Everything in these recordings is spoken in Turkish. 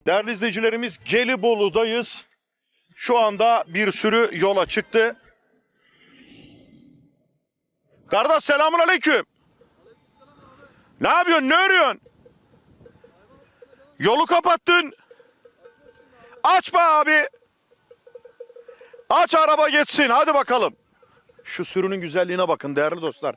Değerli izleyicilerimiz, Gelibolu'dayız. Şu anda bir sürü yola çıktı. Kardeş selamun aleyküm. Ne yapıyorsun? Ne örüyorsun? Yolu kapattın. Aç be abi. Aç araba geçsin. Hadi bakalım. Şu sürünün güzelliğine bakın değerli dostlar.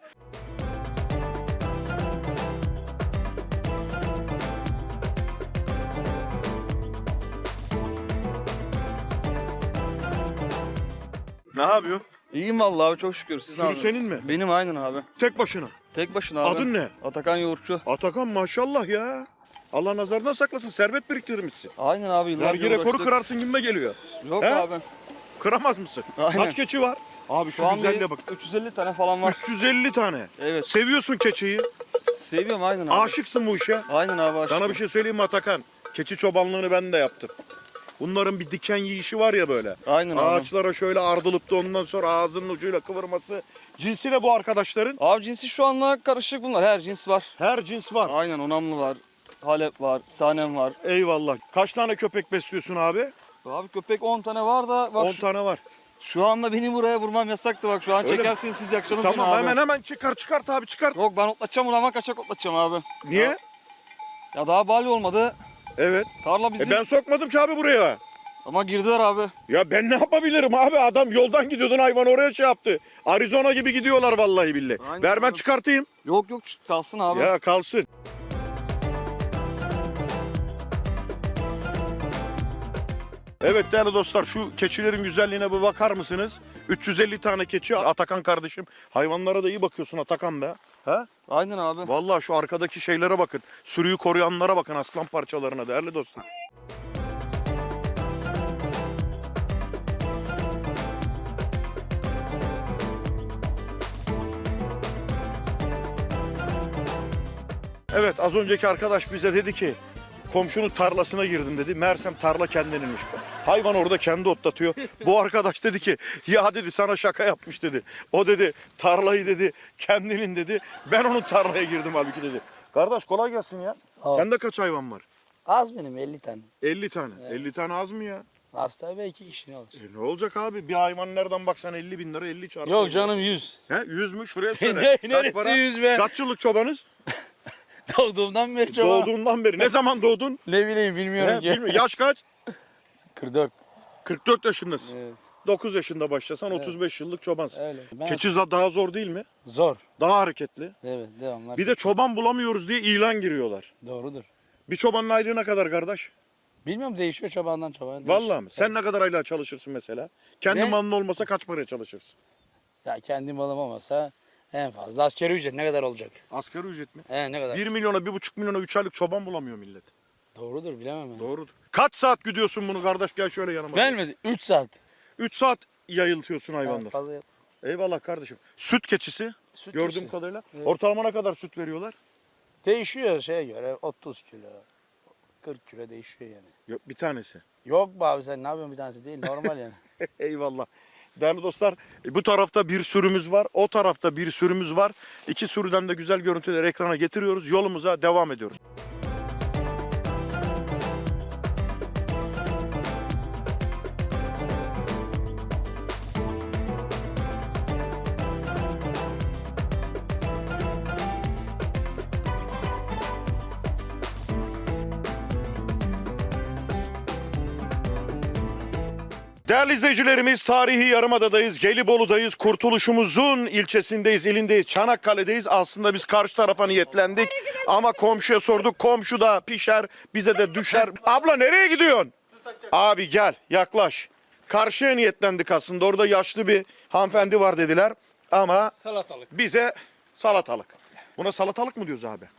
Ne yapıyorsun? İyiyim vallahi abi, çok şükür. Siz ne Sürü yapıyorsunuz? senin mi? Benim, aynen abi. Tek başına. Tek başına abi. Adın ne? Atakan Yoğurtçu. Atakan maşallah ya. Allah nazardan saklasın. Servet biriktirmişsin. Aynen abi, yıllarca Vergi rekoru uğraştık. kırarsın gibime geliyor. Yok He? abi. Kıramaz mısın? Aynen. Kaç keçi var? Abi şu Şu an güzelliğe bak. 350 tane falan var. 350 tane. Evet. Seviyorsun keçiyi. Seviyorum aynen abi. Aşıksın bu işe. Aynen abi, aşık. Sana bir şey söyleyeyim mi Atakan? Keçi çobanlığını ben de yaptım. Bunların bir diken yiyişi var ya böyle. Aynen abi. Ağaçlara şöyle ardılıp da ondan sonra ağzının ucuyla kıvırması. Cinsi ne bu arkadaşların? Abi cinsi şu anla karışık bunlar. Her cins var. Her cins var. Aynen, Onamlı var. Halep var. Sanem var. Eyvallah. Kaç tane köpek besliyorsun abi? Abi köpek 10 tane var da bak 10 tane var. şu anda beni buraya vurmam yasaktı bak. Şu an Öyle mi? çekersiniz siz, yakacaksınız Tamam beni abi. hemen çıkart abi çıkart. Yok, ben otlatacağım bunu ama kaçak otlatacağım abi. Niye? Ya daha bali olmadı. Evet. Tarla bizim. Ben sokmadım ki abi buraya. Ama girdiler abi. Ya ben ne yapabilirim abi? Adam yoldan gidiyordun, hayvan oraya şey yaptı. Arizona gibi gidiyorlar vallahi billahi. Aynen Ver ben abi. çıkartayım. Yok kalsın abi. Ya kalsın. Evet değerli dostlar, şu keçilerin güzelliğine bir bakar mısınız? 350 tane keçi. Atakan kardeşim, hayvanlara da iyi bakıyorsun Atakan be. Ha? Aynen abi. Vallahi şu arkadaki şeylere bakın. Sürüyü koruyanlara bakın, aslan parçalarına değerli dostlar. Evet, az önceki arkadaş bize dedi ki komşunun tarlasına girdim dedi. Meğersem tarla kendininmiş. Hayvan orada kendi otlatıyor. Bu arkadaş dedi ki ya dedi sana şaka yapmış dedi. O dedi tarlayı dedi kendinin dedi. Ben onun tarlaya girdim halbuki dedi. Kardeş kolay gelsin ya. ol. Sende kaç hayvan var? Az benim 50 tane. 50 tane. 50 tane az mı ya? Hasta belki kişi ne olur. Ne olacak abi? Bir hayvan nereden baksan 50 bin lira, 50 çarpı. Yok canım 100. He, 100 mü? Şuraya söyle. Neresi 100 be? Kaç yıllık çobanız? Doğduğumdan beri çoban. Doğduğundan beri. Ne zaman doğdun? Ne bileyim bilmiyorum He, ki. bilmiyorum. Yaş kaç? 44. 44 yaşındasın. Evet. 9 yaşında başlasan 35 yıllık çobansın. Öyle. Ben Keçi daha zor değil mi? zor. Daha hareketli. Evet devamlar. Bir de çoban bulamıyoruz diye ilan giriyorlar. Doğrudur. Bir çobanın aylığı ne kadar kardeş? Bilmiyorum, değişiyor çobandan çobana. Değişiyor. Vallahi mi? Sen ne kadar aylığa çalışırsın mesela? Kendi Ben- malın olmasa kaç paraya çalışırsın? Ya kendi malım olmasa en fazla askeri ücret ne kadar olacak? Asgari ücret mi? Ne kadar? 1 milyona, 1,5 milyona 3 aylık çoban bulamıyor millet. Doğrudur, bilemem ben. Doğrudur. Kaç saat gidiyorsun bunu kardeş? Gel şöyle yanıma. Gelmedi 3 saat. 3 saat yayıltıyorsun Yani hayvanları. fazla Eyvallah kardeşim. Süt keçisi süt gördüğüm keçisi. kadarıyla. Evet. Ortalama ne kadar süt veriyorlar? Değişiyor şeye göre 30 kilo. 40 kilo değişiyor yani. Yok, bir tanesi. Yok be abi, sen ne yapıyorsun, bir tanesi değil normal yani. Eyvallah. Değerli dostlar, bu tarafta bir sürümüz var, o tarafta bir sürümüz var. İki sürüden de güzel görüntüleri ekrana getiriyoruz. Yolumuza devam ediyoruz. Değerli izleyicilerimiz, tarihi Yarımada'dayız, Gelibolu'dayız, Kurtuluşumuzun ilçesindeyiz, ilindeyiz, Çanakkale'deyiz. Aslında biz karşı tarafa niyetlendik ama komşuya sorduk, komşu da pişer, bize de düşer. Abla nereye gidiyorsun? Abi gel, yaklaş. Karşıya niyetlendik aslında, orada yaşlı bir hanımefendi var dediler ama Salatalık. bize salatalık. Buna salatalık mı diyoruz abi?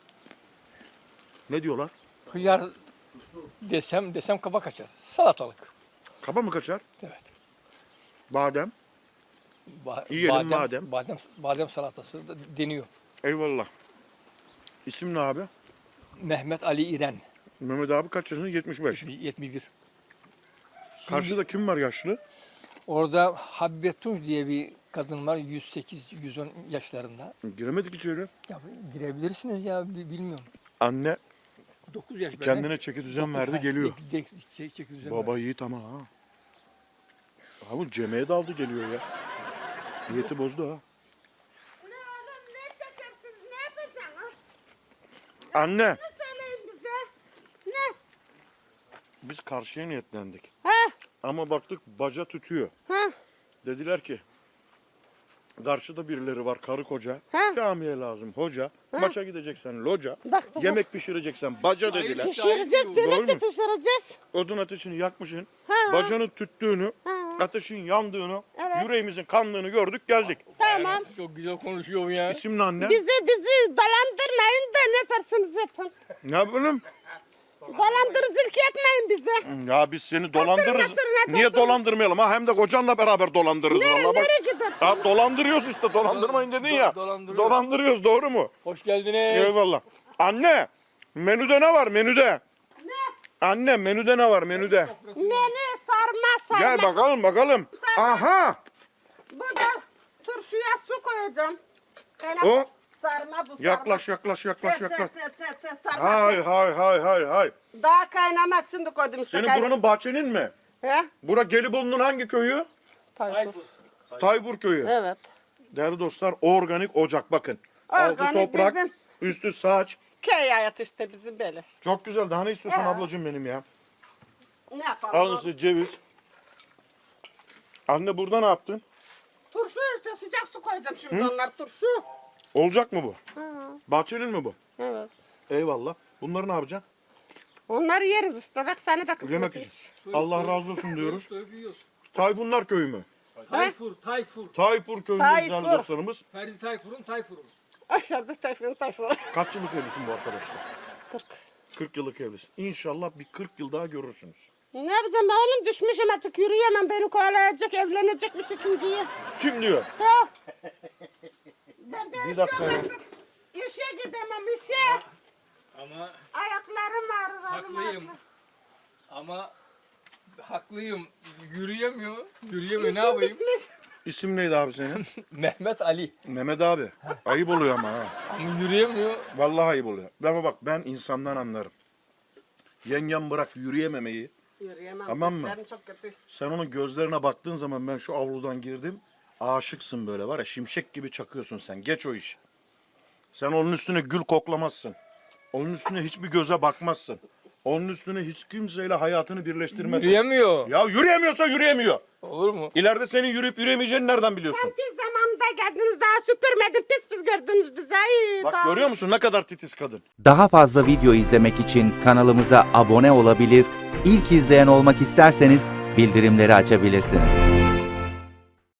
Ne diyorlar? Hıyar desem kaba kaçar. Salatalık. Kaba mı kaçar? Evet. Badem. Yiyelim madem. Badem salatası da deniyor. Eyvallah. İsim ne abi? Mehmet Ali İren. Mehmet abi kaç yaşında? 75. 71. Karşıda kim var yaşlı? Orada Habibe Tunç diye bir kadın var. 108-110 yaşlarında. Giremedik içeri. Ya girebilirsiniz ya, bilmiyorum. Anne 9 yaş bende. Kendine çeki düzen verdi geliyor. Çeki düzen Baba yiğit ama ha. Abi Cem'e daldı geliyor ya. Niyeti bozdu ha. Ne oğlum ne şekersiz ne yapacaksın? Anne Ne söyleyin bize? Ne? biz karşıya niyetlendik. Ha? Ama baktık baca tütüyor. Ha? Dediler ki karşıda birileri var karı koca. Ha? Camiye lazım hoca. Maça gideceksen loca. Bak, bak. Yemek pişireceksen baca dediler. Pişireceğiz, Doğru birlikte mu? pişireceğiz. Odun ateşini yakmışsın. Ha. Bacanın tüttüğünü, Ha. ateşin yandığını, Evet. yüreğimizin kandığını gördük geldik. Tamam. Çok güzel konuşuyor bu ya. İsimli anne. Bizi dolandırmayın da ne yaparsanız yapın. Ne yapalım? Dolandırıcılık yapmayın bize. Ya biz seni dolandırırız. oturun, Niye oturun. dolandırmayalım ha? Hem de kocanla beraber dolandırırız. Nereye, vallahi bak. nereye gidersin? Ya dolandırıyoruz işte. Dolandırmayın dedin ya. Dolandırıyoruz. Dolandırıyoruz doğru mu? Hoş geldiniz. Eyvallah. Anne menüde ne var menüde? Ne? Anne menüde ne var menüde? Menü sarma. Gel bakalım. Aha. Bu da turşuya su koyacağım. O. Sarma bu sarma. Yaklaş. Sarma. Hay. Daha kaynamaz şimdi koydum işte. Senin buranın bahçenin mi? He? Bura Gelibolu'nun hangi köyü? Tayfur. Taybur köyü. Evet. Değerli dostlar organik ocak bakın. Altı Organik toprak, bizim. üstü saç. Köy hayatı işte bizim böyle işte. Çok güzel. Daha ne istiyorsun Ya. ablacığım benim ya? Ne yapalım? Al size ceviz. Anne burada ne yaptın? Turşu işte sıcak su koyacağım şimdi onlar turşu. Olacak mı bu? Ha, Bahçenin mi bu? evet. Eyvallah. Bunları ne yapacaksın? Onları yeriz işte bak sana da kısmet Yemek iş. için. Allah razı olsun diyoruz. Dövüyoruz. Tayfunlar köyü mü? Tayfur. Tayfur köyü Tayfur. güzel dostlarımız. Ferdi Tayfur'un. Aşağıda Tayfur. Kaç yıllık evlisin bu arkadaşlar? 40. 40 yıllık evlisin. İnşallah bir 40 yıl daha görürsünüz. Ne yapacağım ben oğlum düşmüşüm artık yürüyemem beni kovalayacak evlenecekmiş ikinciyi. Kim diyor? Ya. Ben de Bir dakika ya. işe gidemem işe. Ama Ayaklarım ağrır. haklıyım. Ama haklıyım. Yürüyemiyor. Ne yapayım? İsim neydi abi senin? Mehmet Ali. Mehmet abi. Ayıp oluyor ama ha. Ama yürüyemiyor. Vallahi ayıp oluyor. Ama bak ben insandan anlarım. Yengem bırak yürüyememeyi. Yürüyemem. Tamam mı? Gözlerim çok kötü. Sen onun gözlerine baktığın zaman ben şu avludan girdim. Aşıksın böyle var ya şimşek gibi çakıyorsun sen. Geç o işi. Sen onun üstüne gül koklamazsın. Onun üstüne hiçbir göze bakmazsın. Onun üstüne hiç kimseyle hayatını birleştirmezsin. Yürüyemiyor. Ya yürüyemiyorsa yürüyemiyor. Olur mu? İleride senin yürüyüp yürüyemeyeceğini nereden biliyorsun? Biz zamanında geldiniz daha süpürmedim pis gördünüz bizi. Ay, Bak tamam. görüyor musun ne kadar titiz kadın. Daha fazla video izlemek için kanalımıza abone olabilir, ilk izleyen olmak isterseniz bildirimleri açabilirsiniz.